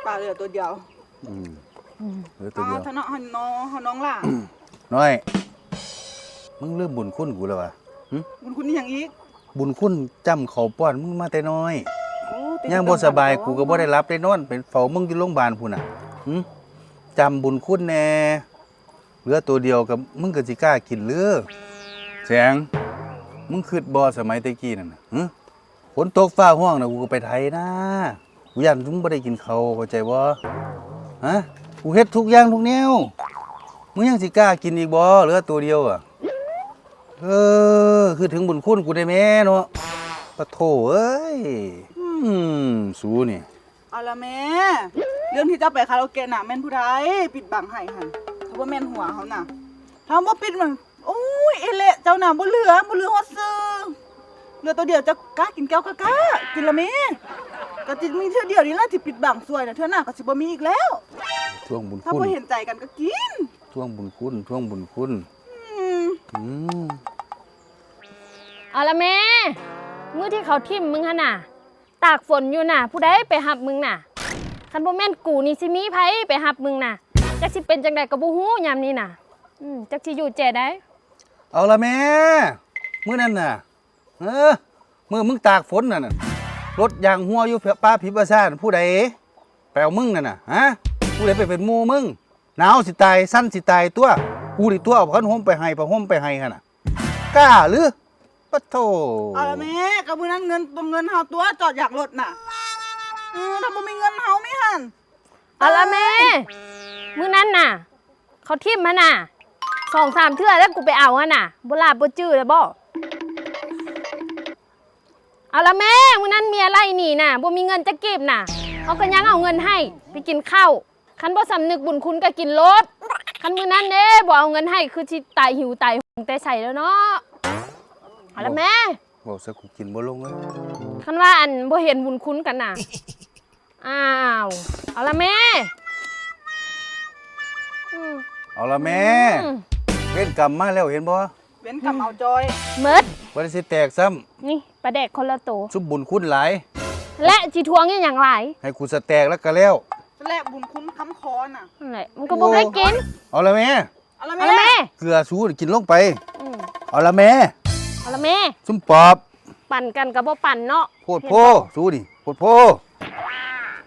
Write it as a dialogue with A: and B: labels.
A: ปลาเหลือตัวเดียว
B: เหลือตัวเดียว
A: ท่านน้องล่ะ
B: น้อยมึงเริ่มบุญคุณกูแล้ววะ
A: บุญคุณนี่อย่างอีก
B: บุญคุณจำเขาป้อนมึงมาแต่น้อยย่างบ่สบายกูก็บ่ได้รับได้นอนเป็นเฝ้ามึงอยู่โรงพยาบาลพุ่นน่ะจำบุญคุณแน่เหลือตัวเดียวกับมึงก็สิกล้ากินหรือแสงมึงคิดบ่สมัยตะกี้นั่นน่ะฝนตกฟ้าห้องน่ะกูก็ไปไถนะกูย่านมึงบ่ได้กินข้าวเข้าใจบ่ฮะกูเฮ็ดทุกอย่างทุกแนวมึงยังสิกล้ากินอีกบ่เหลือตัวเดียวอ่ะคือถึงบุญคุณกูได้แม่เนาะปะโถเอ้ยสูนี่
A: เอาละแม่เรื่องที่เจ้าไปคาราโอเกะน่ะแม่นผู้ใดปิดบังให้หั่นถ้าว่าแม่นหัวเขาน่ะถ้าบ่ปิดมันโอ้ยเอเละเจ้าน่ะบ่เหลือฮอดซื้อเหลือตัวเดียวจะกล้ากินแก้วกล้ากินละแม่ก็จิมีเทื่อเดียวนี่ล่ะที่ปิดบังซวยน่ะเทื่อหน้าก็สิบ่มีอีกแล้ว
B: ทวงบุญคุณ
A: ถ้าบ่เห็นใจกันก็กิน
B: ทวงบุญคุณ
C: เอาละแม่มื้อที่เขาทิ่มมึงหั่นน่ะตากฝนอยู่น่ะผู้ใดไปหับมึงน่ะคันบ่แม่นกูนี่สิมีไผไปหับมึงน่ะจักสิเป็นจังได๋ก็บ่ฮู้ยามนี้น่ะจักสิอยู่แจ้ได้
B: เอาละแม่มื้อนั้นน่ะมื้อมึงตากฝนน่ะรถยางหัวอยู่ป้าพิบซ่านผู้ใดแปลวมึงนั่นน่ะฮะผู้ใดไปเป็นหมู่มึงหนาวสิตายสั้นสิตายตัวกูนี่ตัวเอาพันห่มไปให้ผ้าห่มไปให้หั่นน่ะกล้าหรือปะโถ
A: เอาละแม่ก็มื้อนั้นเงินเฮาตัวจอดอยากรถน่ะถ้าบ่มีเงินเฮาไม่หั่น
C: เอาละแม่มื้อนั้นน่ะเขาทิ่มมาน่ะ 2-3 เทื่อแล้วกูไปเอาหั่นน่ะบ่ลาบบ่จื้อแล้วบ่เอาละแม่มื้อนั้นเมียไล่หนีน่ะบ่มีเงินจะเก็บน่ะเขาก็ยังเอาเงินให้ไปกินข้าวคันบ่สำนึกบุญคุณก็กินรถคันมื้อนั้นเด้บ่เอาเงินให้คือสิตายหิวตายหงแต่ใส่แล้วเนาะเอาละแม่
B: บอกซะกูกินบ่ลงเลย
C: คันว่าอันบ่เห็นบุญคุณกันน่ะอ้าวเอาละแม่
B: เอาละแม่เว้นกรรมมาแล้วเห็นบ่
A: เว้นกรรมเอาจอย
C: หมด
B: บ่ได้สิแตกซ้ำ
C: นี่ปลาแดกคนละโต
B: ซุบบุญคุณหลาย
C: และสิทวงอีหยังหลาย
B: ให้กูสแตกแล้วก็แล้ว
A: แลกบุญคุณค้ำคอน่ะ
C: นั่นแหละมันก็บ่ได้กิน
B: เอาละแม่
A: เอาละแม่
B: เกลือสูกินลงไปเอาละแม่
C: เอาละแม่
B: ซุ่มปอบ
C: ปั่นกันก็บ่ปั่นเนาะ
B: โพดโพสูดิโพดโพ